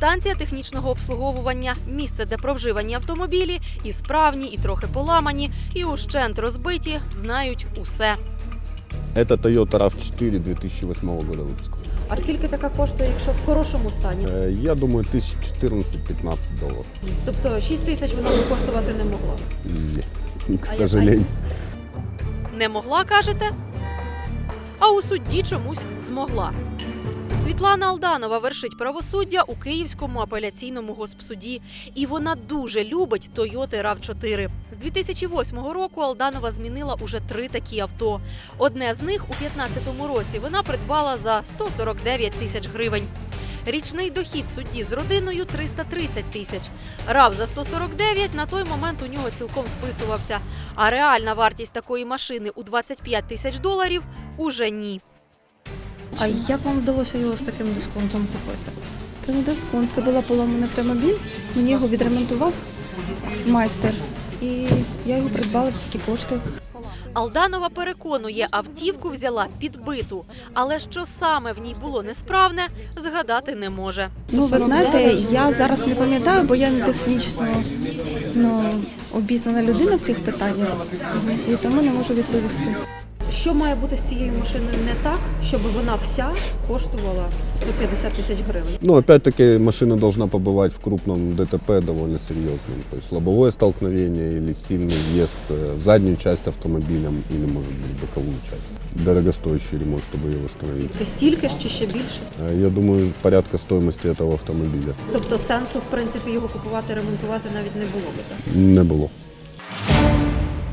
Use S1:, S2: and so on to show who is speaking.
S1: Станція технічного обслуговування – місце, де про вживані автомобілі і справні, і трохи поламані, і ущент розбиті, знають усе.
S2: Это Toyota RAV4 2008 года выпуска.
S1: А скільки така коштує, якщо в хорошому стані?
S2: Я думаю, $14-15.
S1: Тобто 6 тисяч вона би коштувати не могла?
S2: Нет, к сожалению.
S1: Не могла, кажете? А у судді чомусь змогла. Світлана Алданова вершить правосуддя у Київському апеляційному госпсуді. І вона дуже любить Toyota RAV4. З 2008 року Алданова змінила уже 3 такі авто. Одне з них у 2015 році вона придбала за 149 тисяч гривень. Річний дохід судді з родиною – 330 тисяч. RAV за 149 на той момент у нього цілком вписувався. А реальна вартість такої машини у $25 тисяч – уже ні.
S3: А як вам вдалося його з таким дисконтом купити?
S4: Це не дисконт, це був поломаний автомобіль. Мені його відремонтував майстер. І я його придбала за такі кошти.
S1: Алданова переконує, автівку взяла підбиту. Але що саме в ній було несправне, згадати не може.
S4: Ну, ви знаєте, я зараз не пам'ятаю, бо я не технічно обізнана людина в цих питаннях. І тому не можу відповісти.
S1: Що має бути з цією машиною не так, щоб вона вся коштувала 150 тисяч гривень?
S2: Ну, опять-таки, машина должна побывать в крупном ДТП довольно серьезном. То есть лобовое столкновение или сильный въезд в заднюю часть автомобилем или, может быть, боковую часть. Дорогостоящий ремонт, чтобы ее восстановить.
S1: Стільки ж чи ще більше?
S2: Я думаю, порядка стоимости этого автомобиля
S1: Тобто сенсу, в принципі, його купувати, ремонтувати навіть не було би, так?
S2: не было.